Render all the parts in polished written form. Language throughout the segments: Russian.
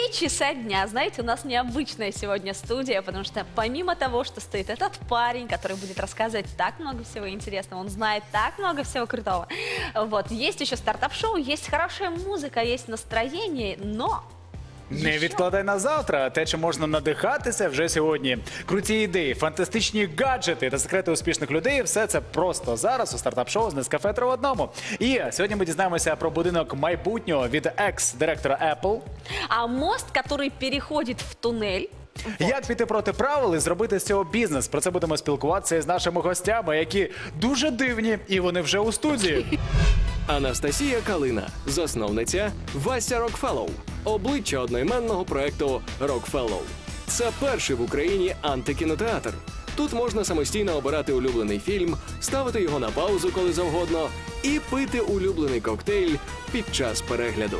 3 часа дня. Знаете, у нас необычная сегодня студия, потому что помимо того, что стоит этот парень, который будет рассказывать так много всего интересного, он знает так много всего крутого. Вот, есть еще стартап-шоу, есть хорошая музыка, есть настроение, но... Не відкладай на завтра, те, чим можна надихатися вже сьогодні. Круті ідеї, фантастичні гаджети та секрети успішних людей – все це просто зараз у стартап-шоу з Нескафе 3 в одному. І сьогодні ми дізнаємося про будинок майбутнього від екс-директора Apple. А мост, который переходит в туннель. Як піти проти правил і зробити з цього бізнес? Про це будемо спілкуватися із нашими гостями, які дуже дивні, і вони вже у студії. Анастасія Калина, засновниця Вася Рокфеллоу, обличчя одноіменного проекту Рокфеллоу. Це перший в Україні антикінотеатр. Тут можна самостійно обирати улюблений фільм, ставити його на паузу, коли завгодно, і пити улюблений коктейль під час перегляду.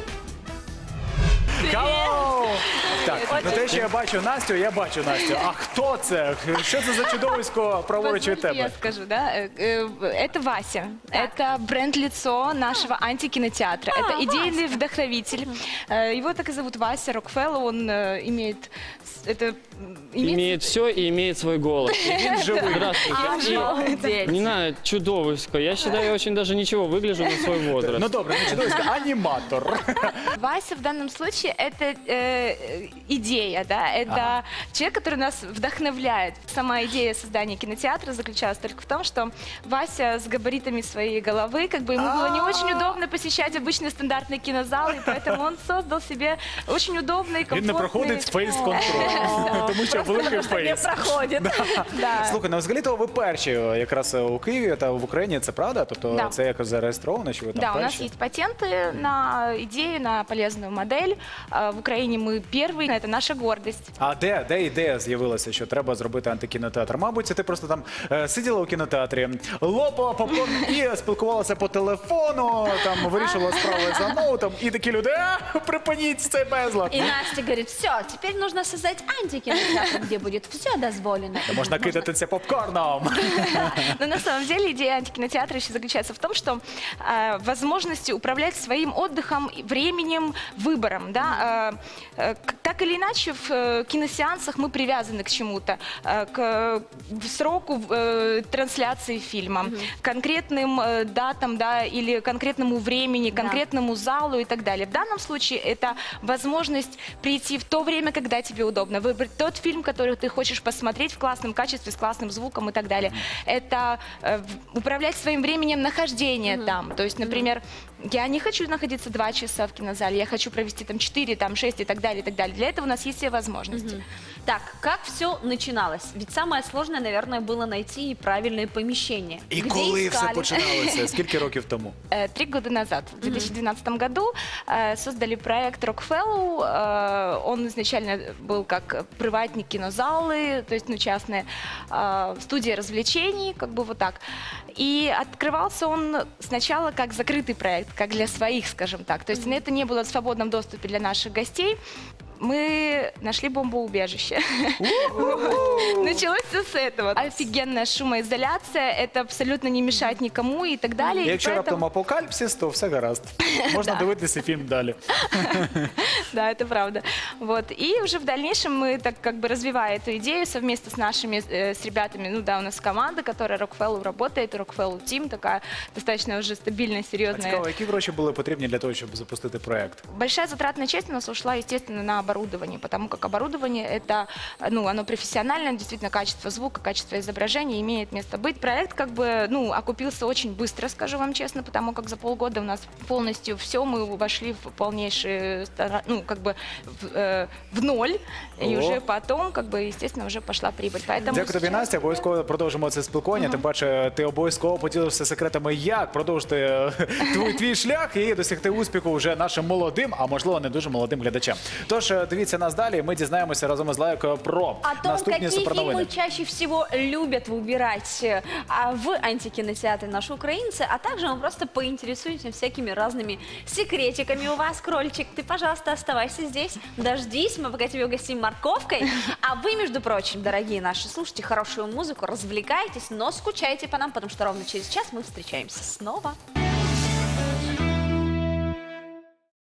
Hello! Так, на те, що я бачу Настю, А хто це? Що це за чудовисько праворуч від тебе? Я скажу, да? Это Вася. Это бренд-лицо нашего антикинотеатра. Это идейный вдохновитель. Его так и зовут Вася Рокфеллоу. Он имеет все и имеет свой голос. Здравствуйте. Не знаю, чудовисько. Я считаю, я очень даже ничего выгляжу на свой возраст. Ну добре, не чудовисько, аніматор. Вася в данном случае это идея, да, это человек, который нас вдохновляет. Сама идея создания кинотеатра заключалась только в том, что Вася с габаритами своей головы, как бы ему было не очень удобно посещать обычные стандартные кинозалы, и поэтому он создал себе очень удобный, комфортный... Він не проходить фейс-контроль, тому що великий фейс. Не проходить. Слухай, ну взагалі-то ви перші якраз у Києві та в Україні, це правда? Тобто це якось зареєстровано, що ви там перші? Да, у нас есть патенты на идею, на полезную модель. В Украине мы первые, это наша гордость. А де ідея з'явилася, що треба зробити антикінотеатр? Мабуть, ти просто там сиділа у кінотеатрі, лопала попкорн і спілкувалася по телефону, там вирішила справи за ноутом, і такі люди, припиніть цей безлад. И Настя говорит, все, теперь нужно создать антикинотеатр, где будет все дозволено. Можна кидатися попкорном. Но на самом деле идея антикинотеатра еще заключается в том, что возможности управлять своим отдыхом, временем, выбором. Да? Так или иначе, в киносеансах мы привязаны к чему-то, к сроку трансляции фильма, конкретным датам, да, или конкретному времени, конкретному залу и так далее. В данном случае это возможность прийти в то время, когда тебе удобно, выбрать тот фильм, который ты хочешь посмотреть в классном качестве, с классным звуком и так далее. Это управлять своим временем нахождения там. То есть, например, я не хочу находиться 2 часа в кинозале, я хочу провести там 4, там 6 и так далее, и так далее. Для этого у нас есть все возможности. Так, как все начиналось? Ведь самое сложное, наверное, было найти правильное помещение. І коли все починалося? Скільки років тому? 3 года назад, в 2012 году, создали проект Рокфеллоу. Он изначально был как приватные кинозалы, то есть, ну, частные, студия развлечений, как бы вот так. И открывался он сначала как закрытый проект, как для своих, скажем так. То есть это не было в свободном доступе для наших гостей. Мы нашли бомбоубежище. Началось все с этого. Офигенная шумоизоляция, это абсолютно не мешает никому и так далее. Якщо раптом апокаліпсис, то все гаразд. Можна дивитися фільм далі. Да, это правда. Вот. И уже в дальнейшем мы, так как бы развивая эту идею совместно с нашими, с ребятами, ну да, у нас команда, которая Рокфеллоу работает, Рокфеллоу Team, такая достаточно уже стабильная, серьезная. Цікаво, які гроші були потрібні для того, щоб запустити проект? Большая затратная часть у нас ушла, естественно, на оборудование, потому как оборудование это, ну, оно профессиональное, действительно, качество звука, качество изображения имеет место быть. Проект как бы, ну, окупился очень быстро, скажу вам честно, потому как за полгода у нас полностью все, мы вошли в полнейший, ну, как бы в ноль, и уже потом, как бы, естественно, уже пошла прибыль. Поэтому дякую тобі, Настя, обов'язково продовжимо це спілкування, тим паче ти обов'язково поділився секретами, як продовжити твій шлях і досягти успіху вже нашим молодим, а можливо не дуже молодим глядачам. Тож, дивіться нас далі, ми дізнаємося разом із Лайкою про наступні суперновини. Какие фильмы чаще всего любят выбирать в антикинотеатре наши украинцы, а также мы просто поинтересуемся всякими разными секретиками у вас, крольчик. Ты, пожалуйста, оставайся здесь, дождись, мы пока тебя угостим морковкой. А вы, между прочим, дорогие наши, слушайте хорошую музыку, развлекайтесь, но скучайте по нам, потому что ровно через час мы встречаемся снова.